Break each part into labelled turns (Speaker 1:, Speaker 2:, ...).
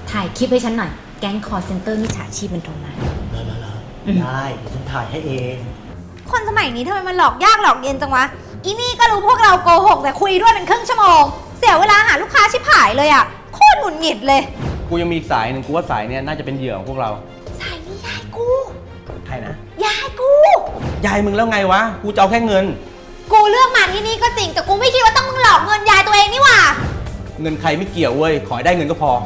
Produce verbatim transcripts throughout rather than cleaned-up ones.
Speaker 1: ถ่ายคลิปให้ฉันหน่อยแก๊งคอร์เซนเตอร์มิจฉาชีพมันโทรมา
Speaker 2: แล้วแล้วได้เดี๋ยวฉันถ่ายให้เอง
Speaker 3: คนสมัยนี้ทำไมมันหลอกยากหลอกเย็นจังวะอีนี่ก็รู้พวกเราโกหกแต่คุยด้วยเป็นครึ่งชั่วโมงเสียเวลาหาลูกค้าชิบหายเลยอ่ะโคตรหงุดหงิดเลย
Speaker 4: กูยังมีอีกสายหนึ่งกูว่าสายเนี้ยน่าจะเป็นเหยื่อของพวกเรา
Speaker 3: สายนี้ยายกู
Speaker 4: ใครนะ
Speaker 3: ยายกู
Speaker 4: ยายมึงแล้วไงวะกูจะเอาแค่เงิน
Speaker 3: กูเลือกมาที่นี่ก็จริงแต่กูไม่คิดว่าต้องมึงหลอกเงินยายตัวเองนี่หว่า
Speaker 4: เงินใครไม่เกี่ยวเว้ยขอให้ได้เงินก็พอ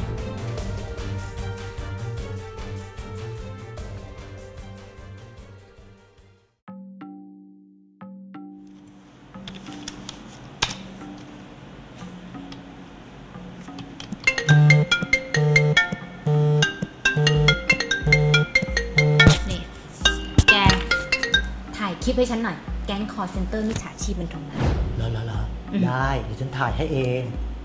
Speaker 1: นี่แกถ่ายคลิปให้ฉันหน่อยแก๊งคอร์เซนเตอร์มิจฉาชีพมันโทรมา
Speaker 2: แล้วแล้วได้เดี๋ยวฉันถ่ายให้เอง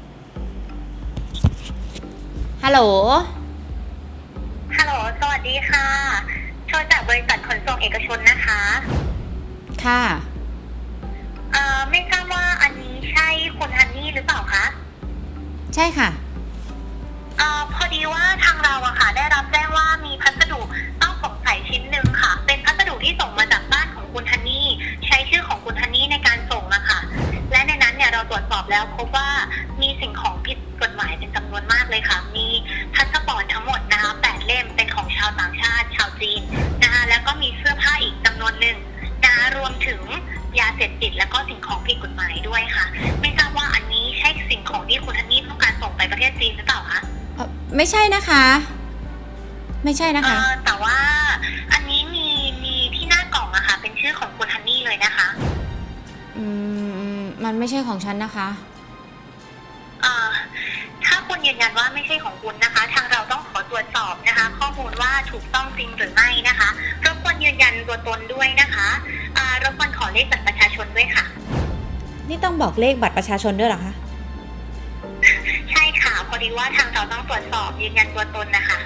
Speaker 1: ฮัลโหล
Speaker 5: ฮัลโหลสวัสดีค่ะโทรจากบริษัทขนส่งเอกชนนะคะ
Speaker 1: ค่ะ
Speaker 5: เอ่อไม่ทราบว่าอันนี้ใช่คุณฮันนี่หรือเปล่าคะ
Speaker 1: ใช่ค่ะ
Speaker 5: เอ่อพอดีว่าทางเราอะค่ะได้รับแจ้งว่ามีพัสดุต้องสงสัยชิ้นหนึ่งค่ะเป็นพัสดุที่ส่งมาจากบ้านของคุณฮันนี่ใช้ชื่อของคุณฮันนี่ในการส่งอะค่ะและในนั้นเนี่ยเราตรวจสอบแล้วพบว่ามีสิ่งของผิดกฎหมายเป็นจำนวนมากเลยค่ะมีพาสปอร์ตทั้งหมดนะคะแปดเล่มเป็นของชาวต่างชาติชาวจีนนะคะแล้วก็มีเสื้อผ้าอีกจำนวนหนึ่งนะคะรวมถึงยาเสพติดแล้วก็สิ่งของผิดกฎหมายด้วยค่ะไม่ทราบว่าอันนี้ใช่สิ่งของที่คุณฮันนี่ต้องการส่งไปประเทศจีนหรือเปล่าคะ
Speaker 1: ไม่ใช่นะคะไม่ใช่นะคะ
Speaker 5: แต่ว่าอันนี้มีมีที่หน้ากล่องอะค่ะเป็นชื่อของคุณฮันนี่เลยนะคะ
Speaker 1: อืมมันไม่ใช่ของฉันนะคะ
Speaker 5: อ่าถ้าคุณยืนยันว่าไม่ใช่ของคุณนะคะทางเราต้องขอตรวจสอบนะคะข้อมูลว่าถูกต้องจริงหรือไม่นะคะรบกวนยืนยันตัวตนด้วยนะคะอ่ารบกวนขอเลขบัตรประชาชนด้วยค่ะ
Speaker 1: นี่ต้องบอกเลขบัตรประชาชนด้วยเหรอคะ
Speaker 5: ใช่ค่ะพอดีว่าทางเราต้องตรวจสอบยืนยันตัวตนนะคะ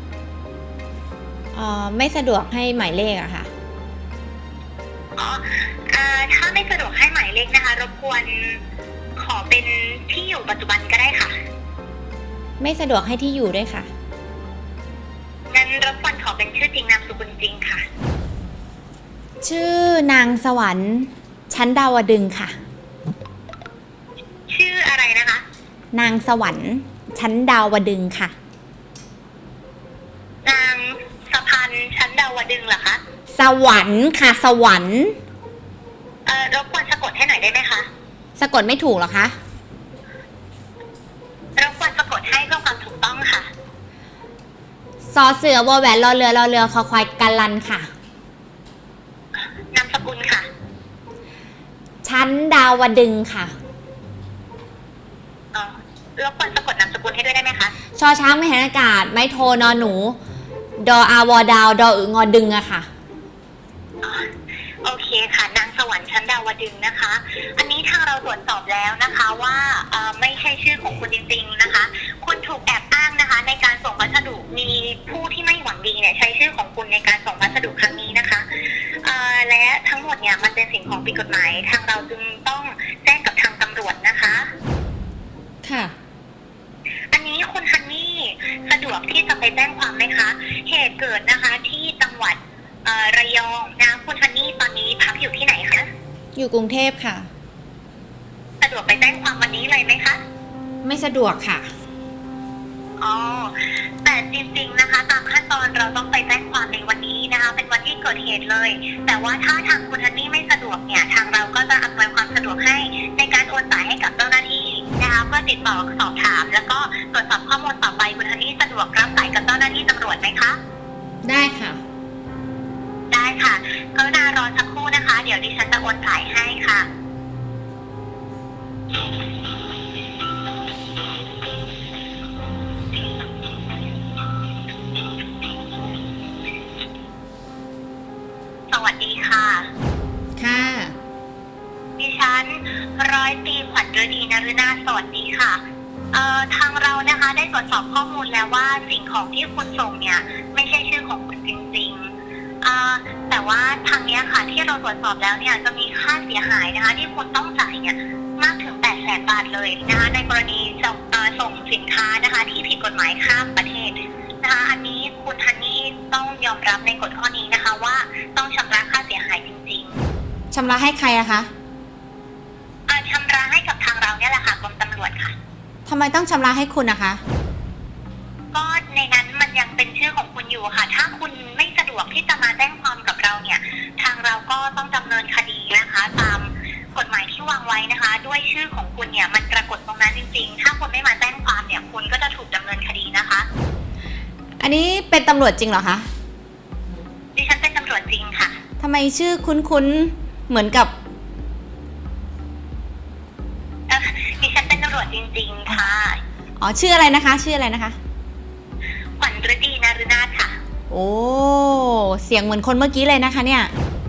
Speaker 1: อ๋อไม่สะดวกให้หมายเลขอะค่ะ
Speaker 5: อ๋ออ่าถ้าไม่สะดวกให้หมายเลขนะคะรบกวนขอเป็นที่อยู่ปัจจุบันก็ได้ค่ะ
Speaker 1: ไม่สะดวกให้ที่อยู่ด้วยค่ะ
Speaker 5: งั้นรบกวนขอเป็นชื่อจริงนามสกุลจริงค่ะ
Speaker 1: ชื่อนางสวรรค์ชั้นดาวดึงค่ะ
Speaker 5: ชื่ออะไรนะคะ
Speaker 1: นางสวรรค์ชั้นดาวดึงค่ะ
Speaker 5: นางสะพันชั้นดาวดึงเหรอคะ
Speaker 1: สวรรค์ค่ะสวรรค์
Speaker 5: เอ่อรบกวนสะกดให้หน่อยได้ไหมคะ
Speaker 1: สะกดไม่ถูกหรอคะ
Speaker 5: รบกวนสะกดให้เพื่อความถูกต้องค่ะ
Speaker 1: ซอเสือวอแหวนรอเรือรอเรือคอควายกาลันค่ะ
Speaker 5: นามสกุลค่ะ
Speaker 1: ชั้นดาวดึงค่ะ
Speaker 5: อ๋อรบกวนสะกดนามสกุลให้ด้วยได้ไหมคะ
Speaker 1: ชอช้างไม่หันอากาศไม่โทนอหนูดออาวอดาวดออึงอดึงอะค่ะ
Speaker 5: โอเคค่ะนางสวรรค์ชั้นดาวดึงนะคะอันนี้ทางเราตรวจสอบแล้วนะคะว่าไม่ใช่ชื่อของคุณจริงๆนะคะคุณถูกแอบอ้างนะคะในการส่งพัสดุมีผู้ที่ไม่หวังดีเนี่ยใช้ชื่อของคุณในการส่งพัสดุครั้งนี้นะคะและทั้งหมดเนี่ยมันเป็นสิ่งของผิดกฎหมายทางเราจึงต้องแจ้งกับทางตำรวจนะคะ
Speaker 1: ค่ะ
Speaker 5: อันนี้คุณฮันนี่สะดวกที่จะไปแจ้งความไหมคะเหตุเกิดนะคะที่จังหวัดระยองนะคุณฮันนี่ตอนนี้พักอยู่ที่ไหนคะ
Speaker 1: อยู่กรุงเทพค่ะ
Speaker 5: สะดวกไปแจ้งความวันนี้เลยไหมคะ
Speaker 1: ไม่สะดวกค่ะ
Speaker 5: อ๋อแต่จริงๆนะคะตามขั้นตอนเราต้องไปแจ้งความในวันนี้นะคะเป็นวันที่เกิดเหตุเลยแต่ว่าถ้าทางคุณฮันนี่ไม่สะดวกเนี่ยทางเราก็จะอำนวยความสะดวกให้ในการโอนสายให้กับเจ้าหน้าที่นะคะเพื่อติดต่อสอบถามแล้วก็ตรวจสอบข้อมูลต่อไปคุณฮันนี่สะดวกรับสายกับเจ้าหน้าที่ตำรวจไหมคะ
Speaker 1: ได้ค่ะ
Speaker 5: ได้ค่ะกรุณารอสักครู่นะคะเดี๋ยวดิฉันจะโอนสายให้ค่ะสวัสดีค่ะ
Speaker 1: ค่ะ
Speaker 5: ดิฉันร้อยตรีขวัญฤดีนฤนาถสวัสดีค่ะเอ่อทางเรานะคะได้ตรวจสอบข้อมูลแล้วว่าสิ่งของที่คุณส่งเนี่ยไม่ใช่ชื่อของคุณจริงๆอ่าแต่ว่าทางนี้ค่ะที่เราตรวจสอบแล้วเนี่ยจะมีค่าเสียหายนะคะที่คุณต้องจ่ายเนี่ยมากถึงแปดแสนบาทเลยนะคะในกรณีจะอส่งสินค้านะคะที่ผิดกฎหมายข้ามประเทศนะคะอันนี้คุณฮันนี่ต้องยอมรับในกฎข้อนี้นะคะว่าต้องชำระค่าเสียหายจริง
Speaker 1: ชำระให้ใครอะคะ
Speaker 5: ๆอ่าชำระให้กับทางเราเนี่ยแหละค่ะกรมตำรวจค่ะ
Speaker 1: ทำไมต้องชำระให้คุณนะคะ
Speaker 5: ก็ในนั้นมันยังเป็นชื่อของคุณอยู่ค่ะ ถ้าคุณไม่สะดวกที่จะมาแจ้งความกับเราเนี่ยทางเราก็ต้องดำเนินคดีนะคะตามกฎหมายที่วางไว้นะคะ ด้วยชื่อของคุณเนี่ยมันปรากฏตรงนั้นจริงๆ ถ้าคุณไม่มาแจ้งความเนี่ยคุณก็จะถูกดำเนินคดีนะคะ
Speaker 1: อันนี้เป็นตำรวจจริงเหรอคะ
Speaker 5: ดิฉันเป็นตำรวจจริงค่ะ
Speaker 1: ทำไมชื่อคุ้นๆ เหมือนกับ
Speaker 5: เอ่อดิฉันเป็นตำรวจจริงๆค่ะ
Speaker 1: อ๋อ ชื่ออะไรนะคะ ชื่ออะไรนะคะ
Speaker 5: ขวัญฤดีนารุนาถค่ะ
Speaker 1: โอ้ เสียงเหมือนคนเมื่อกี้เลยนะคะเนี่ย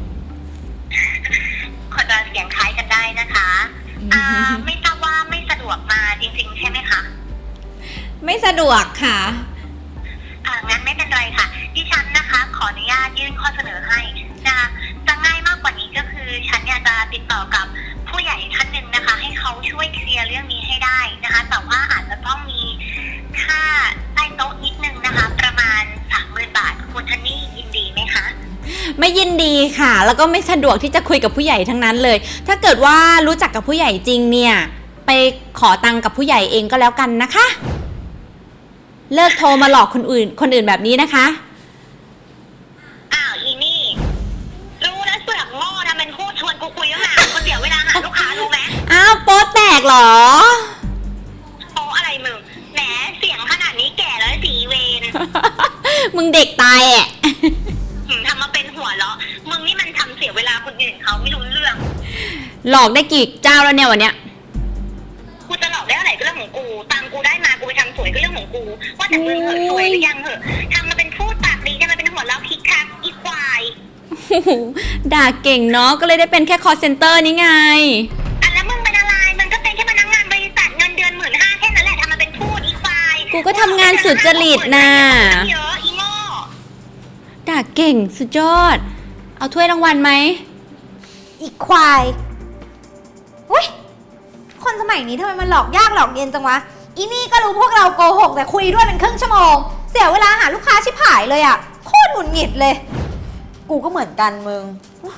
Speaker 5: คนเราเสียงคล้ายกันได้นะคะอ่าไม่ทราบว่าไม่สะดวกมาจริงๆใช่ไหมคะ
Speaker 1: ไม่สะดวกค่ะ
Speaker 5: อ่างั้นไม่เป็นไรค่ะ ดิฉันนะคะ ขออนุญาตยื่นข้อเสนอให้จะจะง่ายมากกว่านี้ก็คือ ฉันเนี่ยจะติดต่อกับผู้ใหญ่ท่านหนึ่งนะคะ ให้เขาช่วยเคลียร์เรื่องนี้ให้ได้นะคะ แต่ว่าอาจจะต้องมีค่าใต้โต๊ะนิดนึงนะคะ ประมาณสามหมื่นบาทคุณทันนี่ยินดีไหมคะ
Speaker 1: ไม่ยินดีค่ะ แล้วก็ไม่สะดวกที่จะคุยกับผู้ใหญ่ทั้งนั้นเลย ถ้าเกิดว่ารู้จักกับผู้ใหญ่จริงเนี่ย ไปขอตังค์กับผู้ใหญ่เองก็แล้วกันนะคะ เลิกโทรมาหลอกคนอื่น คนอื่นแบบนี้นะคะ
Speaker 5: อ้าวอีนี่ รู้แล้วเสือกโง่นะเป็นพูดชวนกูคุยตั้งนานคนเดียวเวลาหาลูกค้ารู้ไหม
Speaker 1: อ้าวโป๊แตกเหรอ
Speaker 5: โอ้อะไรมึงแหมเสียงขนาดนี้แก่แล้วสีเวน
Speaker 1: มึงเด็กตายแอะ
Speaker 5: หืมทำมาเป็นหัวเราะมึงนี่มันทำเสียเวลาคนอื่นเขาไม่รู้เรื่อง
Speaker 1: หลอกได้กี่เจ้าแล้วเนี่ยวันเนี้ย
Speaker 5: กูจะหลอกได้เท่าไหร่ก็เรื่องของกูตังกูได้มากูไปทำสวยก็เรื่องของกูว่าแต่มึงเหอะสวยหรือยังเหอะทำมาเป็นพูดปากดีทำมาเป็นหัวเราะคิกคักอีควาย
Speaker 1: ด่าเก่งเนาะ ก็เลยได้เป็นแค่ call center นี่ไง
Speaker 5: อันแล้วมึงเป็นอะไรมันก็เป็นแค่พนักงานบริษัทเงินเดือนหมื่นห้าแค่นั้นแหละทำมาเป็นพูดอีควาย
Speaker 1: กูก็ทำงานสุจริตน่ะ
Speaker 5: เยอะอีโง่
Speaker 1: ด่าเก่งสุดยอด เอาถ้วยรางวัลไหม
Speaker 3: อีกควายอุ้ยคนสมัยนี้ทำไมมันหลอกยากหลอกเย็นจังวะ อีนี่ก็รู้พวกเราโกหกแต่คุยด้วยเป็นครึ่งชั่วโมง เสียเวลาหาลูกค้าชิบหายเลยอะโคตรหงุดหงิดเลย กูก็เหมือนกันมึง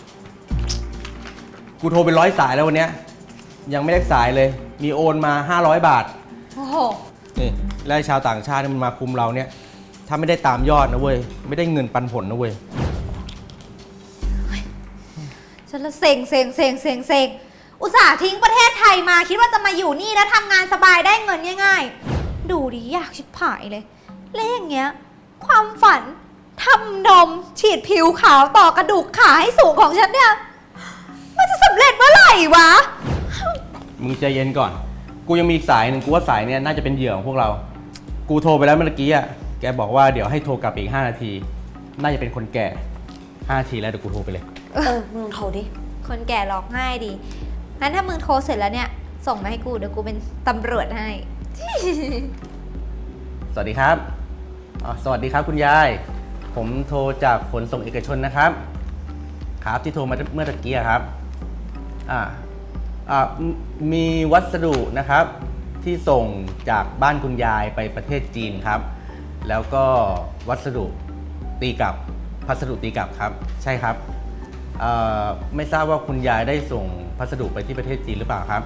Speaker 4: กูโทรไปร้อยสายแล้ววันเนี้ยยังไม่ได้สายเลย มีโอนมาห้าร้อยบาท
Speaker 3: โอ้โห
Speaker 4: นี่แล้วไอ้ชาวต่างชาติที่มันมาคุมเราเนี่ย ถ้าไม่ได้ตามยอดนะเว้ย ไม่ได้เงินปันผลนะเว้ย
Speaker 3: ฉันละเซ็งเซ็งเซ็งเซ็งเซ็งอุตส่าห์ทิ้งประเทศไทยมาคิดว่าจะมาอยู่นี่แล้วทำงานสบายได้เงินง่ายๆ ดูดิยากชิบหายเลย แล้วอย่างเงี้ย ความฝันทำนมฉีดผิวขาวต่อกระดูกขาให้สูงของฉันเนี่ย มันจะสำเร็จเมื่อไหร่วะ
Speaker 4: มึงใจเย็นก่อน กูยังมีอีกสายหนึ่งกูว่าสายเนี่ยน่าจะเป็นเหยื่อของพวกเรา กูโทรไปแล้วเมื่อกี้อ่ะ แกบอกว่าเดี๋ยวให้โทรกลับอีกห้านาที น่าจะเป็นคนแก่ห้านาทีแล้วเดี๋ยวกูโทรไปเลย
Speaker 3: เออ มึงโทรดิ คนแก่หลอกง่ายดี งั้นถ้ามึงโทรเสร็จแล้วเนี่ย ส่งมาให้กูเดี๋ยวกูเป็นตำรวจให้
Speaker 4: สวัสดีครับอ๋อสวัสดีครับคุณยาย ผมโทรจากขนส่งเอกชนนะครับ ครับที่โทรมาเมื่อตะกี้ครับ อ่า อ่า มีวัสดุนะครับที่ส่งจากบ้านคุณยายไปประเทศจีนครับ แล้วก็วัสดุตีกลับ พัสดุตีกลับครับ ใช่ครับเอ่อไม่ทราบว่าคุณยายได้ส่งพัสดุไปที่ประเทศจีนหรือเปล่าครับ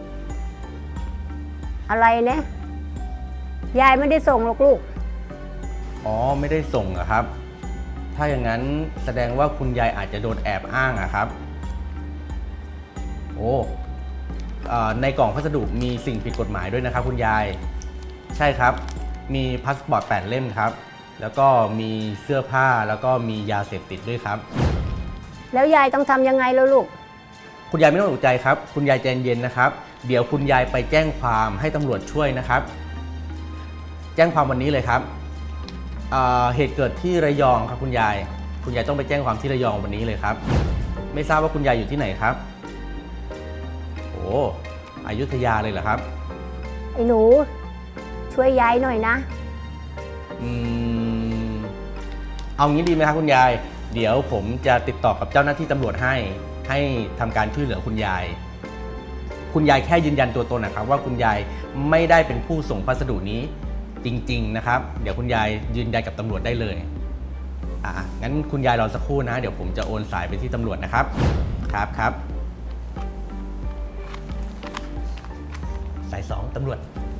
Speaker 6: อะไรเนี่ย ยายไม่ได้ส่งหรอกลูก
Speaker 4: อ๋อไม่ได้ส่งอะครับ ถ้าอย่างนั้นแสดงว่าคุณยายอาจจะโดนแอบอ้างอะครับ โอ้เอ่อในกล่องพัสดุมีสิ่งผิดกฎหมายด้วยนะครับคุณยาย ใช่ครับ มีพาสปอร์ตแปดเล่มครับ แล้วก็มีเสื้อผ้าแล้วก็มียาเสพติดด้วยครับ
Speaker 6: แล้วยายต้องทำยังไงแล้วลูก
Speaker 4: คุณยายไม่ต้องตกใจครับ คุณยายใจเย็นนะครับ เดี๋ยวคุณยายไปแจ้งความให้ตำรวจช่วยนะครับ แจ้งความวันนี้เลยครับเอ่อเหตุเกิดที่ระยองครับคุณยาย คุณยายต้องไปแจ้งความที่ระยองวันนี้เลยครับ ไม่ทราบว่าคุณยายอยู่ที่ไหนครับ โอ้อยุธยาเลยเหรอครับ
Speaker 6: ไอ้หนู ช่วยยายหน่อยนะ
Speaker 4: อืมเอางี้ดีไหมครับคุณยาย เดี๋ยวผมจะติดต่อกับเจ้าหน้าที่ตำรวจให้ ให้ทำการช่วยเหลือคุณยายคุณยายแค่ยืนยันตัวตนนะครับว่าคุณยายไม่ได้เป็นผู้ส่งพัสดุนี้จริงๆนะครับเดี๋ยวคุณยายยืนยันกับตำรวจได้เลยอ่ะงั้นคุณยายรอสักครู่นะเดี๋ยวผมจะโอนสายไปที่ตำรวจนะครับครับครับสายสองตำรวจ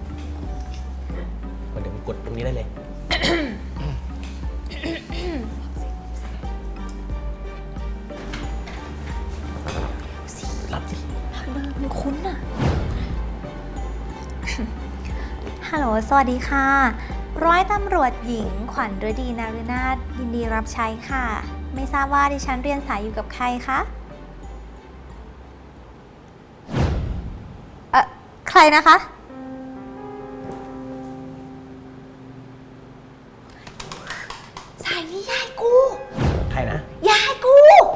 Speaker 4: เดี๋ยวผมกดตรงนี้ได้เลย รับสิ
Speaker 3: เบอร์มันคุ้นอะ ฮัลโหล สวัสดีค่ะ ร้อยตำรวจหญิงขวัญฤดีนารุนาถยินดีรับใช้ค่ะ ไม่ทราบว่าดิฉันเรียนสายอยู่กับใครคะเอ่อ ใครนะคะ สายนี้ยายกู
Speaker 4: ใครนะ
Speaker 3: ยายกู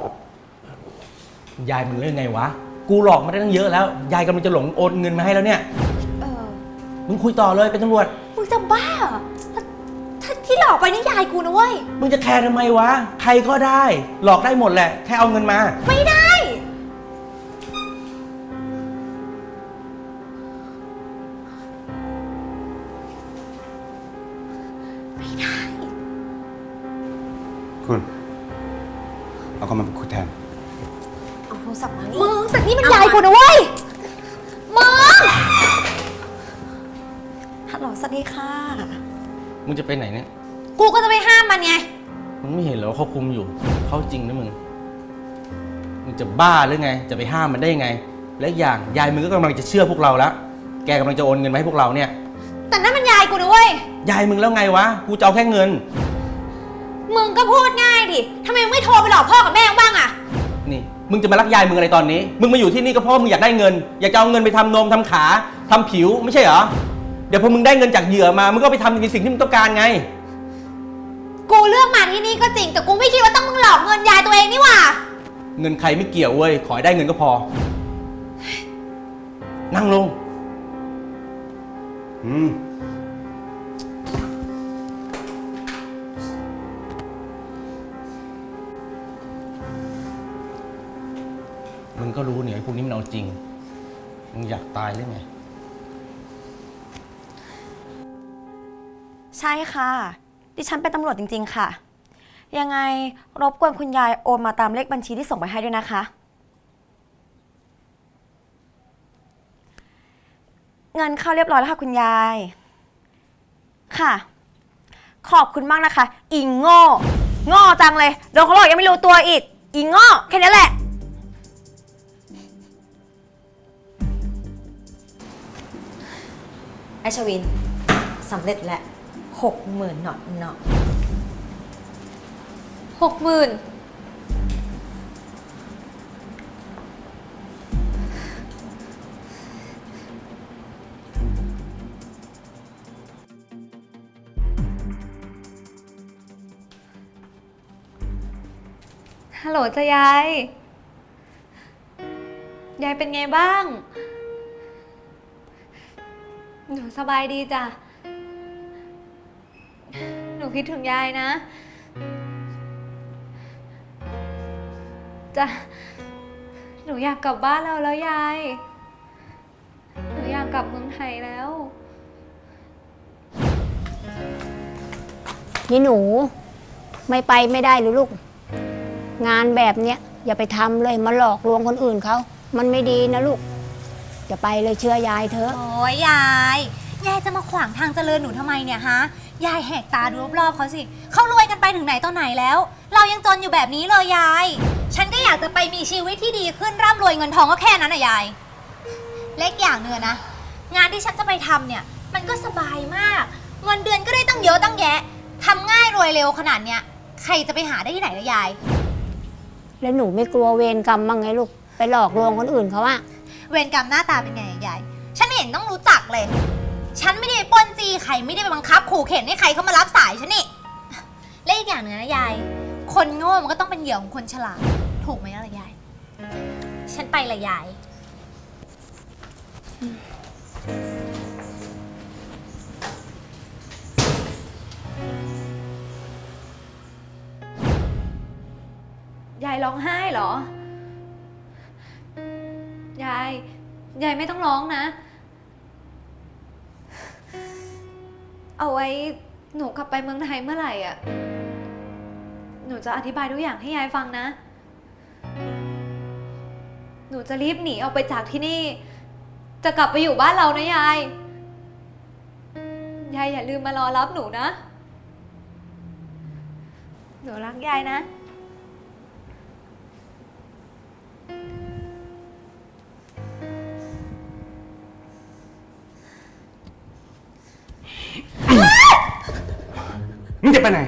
Speaker 4: ยายมันเรื่องไงวะ กูหลอกมาได้ตั้งเยอะแล้ว ยายกำลังจะหลงโอนเงินมาให้แล้วเนี่ย
Speaker 3: เออ
Speaker 4: มึงคุยต่อเลยเป็นตำรวจ
Speaker 3: มึงจะบ้าเหรอถ้าถ้าที่หลอกไปนี่ยายกูนะเว้ย
Speaker 4: มึงจะแคร์ทำไมวะ ใครก็ได้ หลอกได้หมดแหละ แค่เอาเงินมา
Speaker 3: ไม่ได้ ไม่ได้
Speaker 7: คุณเอาเขามาเป็นคุยแทน
Speaker 3: เอาโทรศัพท์มานี่มึงแต่นี่มันยายกูนะเว้ย มึง ฮัลโหล สวัสดีค่ะ
Speaker 4: มึงจะไปไหนเนี่ย
Speaker 3: กูก็จะไปห้ามมันไง
Speaker 4: มึงไม่เห็นเหรอว่าเขาคุมอยู่ เขาจริงนะมึง มึงจะบ้าหรือไง จะไปห้ามมันได้ยังไง และอีกอย่างยายมึงก็กำลังจะเชื่อพวกเราแล้ว แกกำลังจะโอนเงินมาให้พวกเราเนี่ย
Speaker 3: แต่นั่นมันยายกูนะเว้ย
Speaker 4: ยายมึงแล้วไงวะ กูจะเอาแค่เงิน
Speaker 3: มึงก็พูดง่ายดิทำไมมึงไม่โทรไปหลอกพ่อกับแม่มึงบ้างอะ
Speaker 4: นี่ มึงจะมารักยายมึงอะไรตอนนี้ มึงมาอยู่ที่นี่ก็เพราะมึงอยากได้เงิน อยากจะเอาเงินไปทำนมทำขาทำผิวไม่ใช่เหรอ เดี๋ยวพอมึงได้เงินจากเหยื่อมา มึงก็ไปทำในสิ่งที่มึงต้องการไง
Speaker 3: กูเลือกมาที่นี่ก็จริง แต่กูไม่คิดว่าต้องมึงหลอกเงินยายตัวเองนี่หว่า
Speaker 4: เงินใครไม่เกี่ยวเว้ย ขอให้ได้เงินก็พอ นั่งลง
Speaker 7: อืม
Speaker 4: มึงก็รู้เนี่ยไอ้พวกนี้มันเอาจริง มึงอยากตายหรือไง
Speaker 8: ใช่ค่ะ ดิฉันเป็นตำรวจจริงๆค่ะ ยังไงรบกวนคุณยายโอนมาตามเลขบัญชีที่ส่งไปให้ด้วยนะคะ เงินเข้าเรียบร้อยแล้วค่ะคุณยาย ค่ะ ขอบคุณมากนะคะ อีโง่โง่จังเลยโดนเขาหลอกยังไม่รู้ตัวอีก อีโง่แค่นี้แหละ
Speaker 9: ไอชวินสำเร็จแล้วหกหมื่นหนอตหนอ
Speaker 3: หกหมื่นฮัลโหลจ้ะยาย ยายเป็นไงบ้าง หนูสบายดีจ้ะ หนูคิดถึงยายนะจ้ะ หนูอยากกลับบ้านเราแล้วยาย หนูอยากกลับเมืองไทยแล้ว
Speaker 6: นี่หนูไม่ไปไม่ได้หรือลูก งานแบบเนี้ยอย่าไปทำเลยมาหลอกลวงคนอื่นเขามันไม่ดีนะลูกจะไปเลยเชื่อยายเถอะ
Speaker 3: โอ้ยยาย ยายจะมาขวางทางเจริญหนูทำไมเนี่ยฮะ ยายแหกตาดูรอบๆเขาสิ เขารวยกันไปถึงไหนตอนไหนแล้ว เรายังจนอยู่แบบนี้เลยยาย ฉันก็อยากจะไปมีชีวิตที่ดีขึ้นร่ำรวยเงินทองก็แค่นั้นนะยาย เล็กอย่างเนื้อนะ งานที่ฉันจะไปทำเนี่ย มันก็สบายมาก เงินเดือนก็ได้ตั้งเยอะตั้งแยะทำง่ายรวยเร็วขนาดเนี้ย ใครจะไปหาได้ที่ไหนละยาย
Speaker 6: แล้วหนูไม่กลัวเวรกรรมบ้างไงลูกไปหลอกลวงคนอื่นเขาอะ
Speaker 3: เวรกรรมหน้าตาเป็นไงอะยาย ฉันไม่เห็นต้องรู้จักเลย ฉันไม่ได้ไปปล้นจี้ใครไม่ได้ไปบังคับขู่เข็นให้ใครเข้ามารับสายฉันนี่ และอีกอย่างหนึ่งนะยาย คนโง่มันก็ต้องเป็นเหยื่อของคนฉลาด ถูกไหมล่ะยาย ฉันไปละยาย ยายร้องไห้เหรอ ยายยายไม่ต้องร้องนะ เอาไว้หนูกลับไปเมืองไทยเมื่อไหร่อ่ะ หนูจะอธิบายทุกอย่างให้ยายฟังนะ หนูจะรีบหนีออกไปจากที่นี่ จะกลับไปอยู่บ้านเรานะยาย ยายอย่าลืมมารอรับหนูนะ หนูรักยายนะ
Speaker 7: มึงจะไปไหน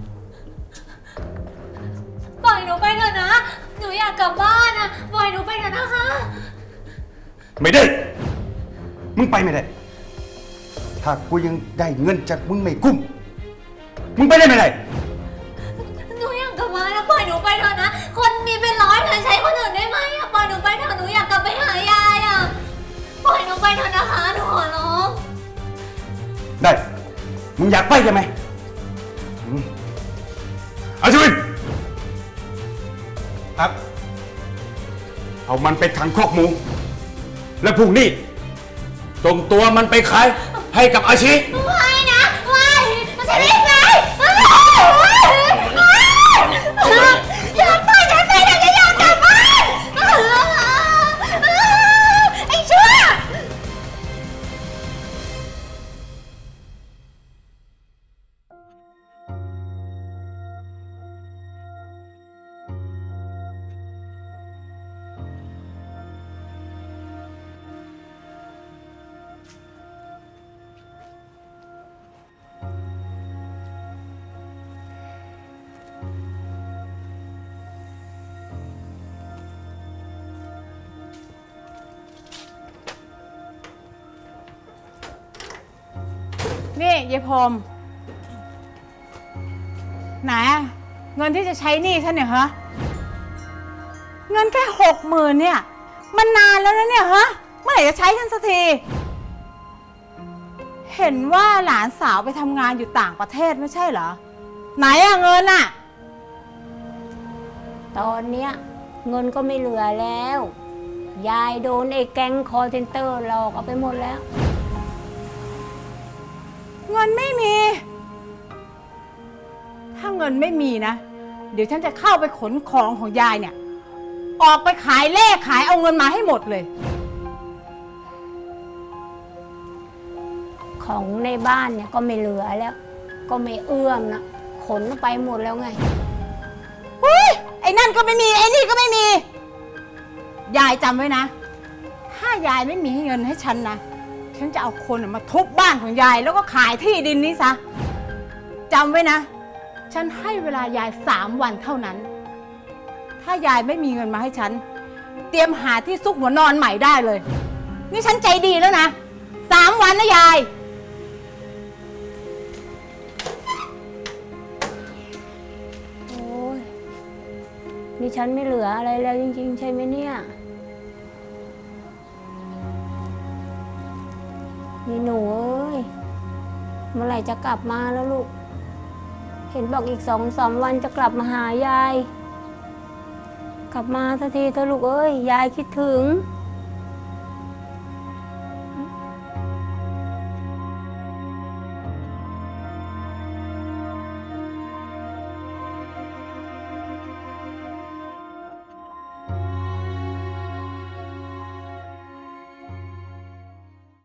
Speaker 3: ปล่อยหนูไปเถอะนะ หนูอยากกลับบ้านนะปล่อยหนูไปเถอะนะคะ
Speaker 7: ไม่ได้ มึงไปไม่ได้ ถ้ากูยังได้เงินจากมึงไม่กุ้ม มึงไปได้ไม่ได้
Speaker 3: หนูอยากกลับบ้านนะปล่อยหนูไปเถอะนะ คนมีเป็นร้อยเธอใช้คนอื่นได้ไหมอะปล่อยหนูไปเถอะหนูอยากกลับไปหายายอะปล่อยหนูไปเถอะนะคะหนูขอร้อง
Speaker 7: ได้ มึงอยากไปใช่ไหมอืมอาชวิน
Speaker 4: ครับ
Speaker 7: เอามันไปขังคอกหมู และพรุ่งนี้ส่งตัวมันไปขายให้กับอาชี
Speaker 3: ไม่นะไม่ฉันรีบไปอยากไปอยากไปอยากจะอยากกลับบ้านไอ้ชั่ว
Speaker 10: นี่ยายพรมไหนอะเงินที่จะใช้หนี้ฉันเนี่ยฮะเงินแค่หกหมื่นเนี่ยมันนานแล้วนะเนี่ยฮะเมื่อไหร่จะใช้ฉันสักทีเห็นว่าหลานสาวไปทำงานอยู่ต่างประเทศไม่ใช่เหรอไหนอะเงินอะ
Speaker 6: ตอนเนี้ยเงินก็ไม่เหลือแล้ว ยายโดนไอ้แก๊งคอร์เซนเตอร์หลอกเอาไปหมดแล้ว
Speaker 10: เงินไม่มีถ้าเงินไม่มีนะเดี๋ยวฉันจะเข้าไปขนของของยายเนี่ยออกไปขายเลขขายเอาเงินมาให้หมดเลย
Speaker 6: ของในบ้านเนี่ยก็ไม่เหลือแล้ว ก็ไม่เอื้อมนะขนไปหมดแล้วไง
Speaker 10: อุ้ยไอ้นั่นก็ไม่มีไอ้นี่ก็ไม่มี ยายจำไว้นะ ถ้ายายไม่มีเงินให้ฉันนะฉันจะเอาคนมาทุบบ้านของยายแล้วก็ขายที่ดินนี้ซะจำไว้นะฉันให้เวลายายสามวันเท่านั้น ถ้ายายไม่มีเงินมาให้ฉันเตรียมหาที่ซุกหัวนอนใหม่ได้เลยนี่ฉันใจดีแล้วนะสามวันนะยาย
Speaker 6: โอ้ยนี่ฉันไม่เหลืออะไรแล้วจริงๆใช่ไหมเนี่ยนี่หนูเอ้ยเมื่อไหร่จะกลับมาแล้วลูกเห็นบอกอีกสองสามวันจะกลับมาหายายกลับมาสักทีเถอะลูกเอ้ยยายคิดถึง